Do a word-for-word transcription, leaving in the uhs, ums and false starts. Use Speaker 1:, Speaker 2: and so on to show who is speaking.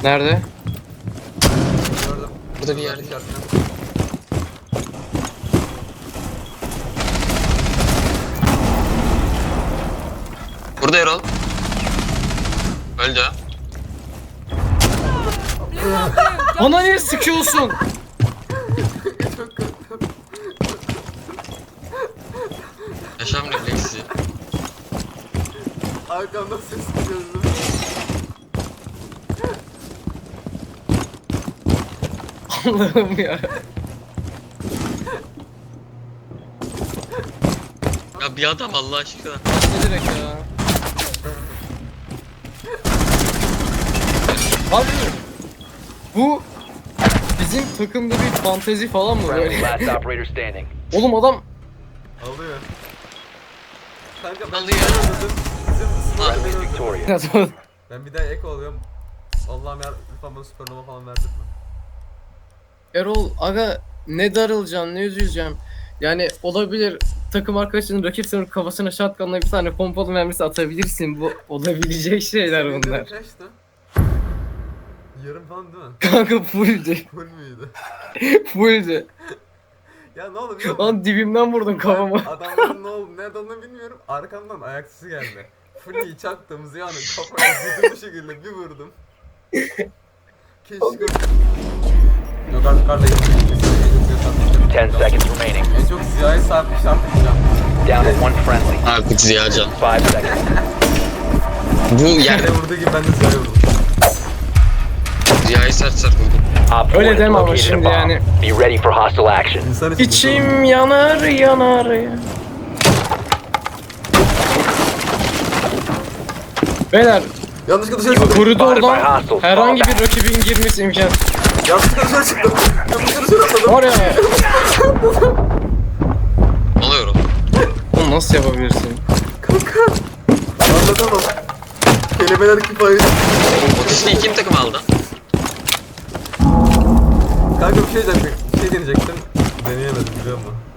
Speaker 1: Nerede?
Speaker 2: Gördüm.
Speaker 1: Burada bir yerde. Burada Erol. Öldü. Bana niye sıkıyorsun? Yaşam refleksi.
Speaker 2: Arkamda ses geliyordu.
Speaker 1: Allah'ım ya. Ya bir adam Allah aşkına. Ne direkt ya? Abi bu bizim takımda bir fantezi falan mı böyle?
Speaker 3: Last operator standing.
Speaker 1: Oğlum adam
Speaker 2: Alıyor. Kanka ben
Speaker 1: Alıyor.
Speaker 2: öldürdüm. Bizim sniper beni
Speaker 3: Friendly
Speaker 2: öldürdü.
Speaker 3: victorious.
Speaker 2: Ben bir daha ek oluyorum. Allah'ım ya lütfen bana süpernova falan verdirtme.
Speaker 1: Erol aga ne darılacaksın ne üzüleceğim. Yani olabilir takım arkadaşının rakip sınıf kafasına shotgunla bir tane pompalı mermisi atabilirsin. Bu olabilecek şeyler
Speaker 2: Senin
Speaker 1: bunlar.
Speaker 2: canın kaçtı? Yarım falan değil mi?
Speaker 1: Kanka fulldü.
Speaker 2: Full müydü?
Speaker 1: Fulldü.
Speaker 2: Ya ne oldu biliyor musun?
Speaker 1: Lan dibimden vurdun kafama.
Speaker 2: Adamların ne oldu nerede olduğunu bilmiyorum. Arkamdan ayak sesi geldi. Fully'yi çaktım Ziya'nın kafaya ciddi bir şekilde bir vurdum. Keşke... Yok artık karla
Speaker 3: Ten seconds remaining.
Speaker 2: En çok Ziya'ya sahip şartlayacağım.
Speaker 3: Down to one friendly.
Speaker 4: Artık Ziyacan.
Speaker 3: Five seconds.
Speaker 4: Bu
Speaker 2: Yerde
Speaker 4: yerde
Speaker 2: vurduğu gibi ben de Ziya'ya vurdum.
Speaker 4: Ziya'yı sert sert vurdum.
Speaker 3: Op
Speaker 1: Öyle
Speaker 3: four has
Speaker 1: deme ama
Speaker 3: located a
Speaker 1: şimdi
Speaker 3: bomb.
Speaker 1: yani.
Speaker 3: Be ready for hostile action.
Speaker 2: İnsan için
Speaker 1: İçim yanar yanar ya. Beyler
Speaker 2: yanlışlıkla dışarı çıktım.
Speaker 1: koridordan herhangi bir rakibin girmesi imkansız.
Speaker 2: Yanlışlıkla dışarı çıktım. Yanlışlıkla dışarı atladım.
Speaker 1: Var ya.
Speaker 4: Ne oluyor o?
Speaker 1: Bunu nasıl yapabilirsin?
Speaker 2: Kanka. Anlatamam. Kelimeler kifayetsiz.
Speaker 4: Otisini kim takım aldı?
Speaker 2: Kanka bir şey diyecektim. Bir şey deneyecektim. Deneyemedim biliyor musun?